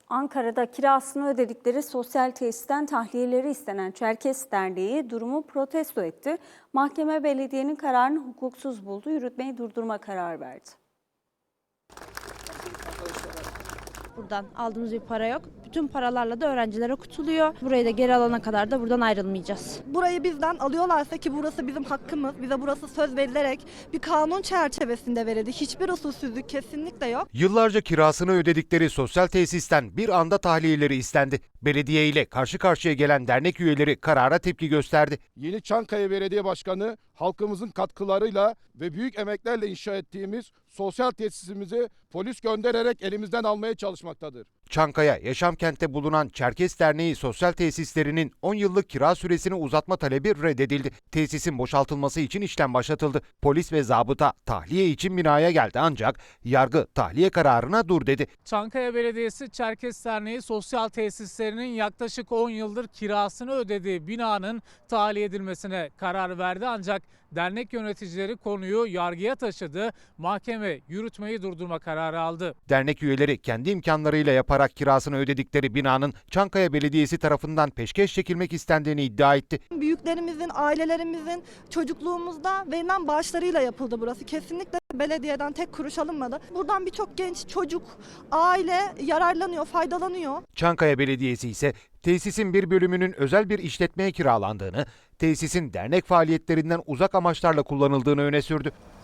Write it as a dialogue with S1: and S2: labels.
S1: Ankara'da kirasını ödedikleri sosyal tesisten tahliyeleri istenen Çerkes Derneği durumu protesto etti. Mahkeme belediyenin kararını hukuksuz buldu, yürütmeyi durdurma kararı verdi.
S2: Buradan aldığımız bir para yok. Bütün paralarla da öğrenciler okutuluyor. Burayı da geri alana kadar da buradan ayrılmayacağız.
S3: Burayı bizden alıyorlarsa, ki burası bizim hakkımız, bize burası söz verilerek bir kanun çerçevesinde verildi. Hiçbir usulsüzlük kesinlikle yok.
S4: Yıllarca kirasını ödedikleri sosyal tesisten bir anda tahliyeleri istendi. Belediye ile karşı karşıya gelen dernek üyeleri karara tepki gösterdi.
S5: Yeni Çankaya Belediye Başkanı halkımızın katkılarıyla ve büyük emeklerle inşa ettiğimiz sosyal tesisimizi polis göndererek elimizden almaya çalışmaktadır.
S4: Çankaya Yaşamkent'te bulunan Çerkes Derneği sosyal tesislerinin 10 yıllık kira süresini uzatma talebi reddedildi. Tesisin boşaltılması için işlem başlatıldı. Polis ve zabıta tahliye için binaya geldi ancak yargı tahliye kararına dur dedi.
S6: Çankaya Belediyesi Çerkes Derneği sosyal tesislerinin yaklaşık 10 yıldır kirasını ödediği binanın tahliye edilmesine karar verdi ancak dernek yöneticileri konuyu yargıya taşıdı. Mahkeme yürütmeyi durdurma kararı aldı.
S4: Dernek üyeleri kendi imkanlarıyla yaparak kirasını ödedikleri binanın Çankaya Belediyesi tarafından peşkeş çekilmek istendiğini iddia etti.
S3: Büyüklerimizin, ailelerimizin çocukluğumuzda verilen bağışlarıyla yapıldı burası. Kesinlikle belediyeden tek kuruş alınmadı. Buradan birçok genç, çocuk, aile yararlanıyor, faydalanıyor.
S4: Çankaya Belediyesi ise tesisin bir bölümünün özel bir işletmeye kiralandığını, tesisin dernek faaliyetlerinden uzak amaçlarla kullanıldığını öne sürdü.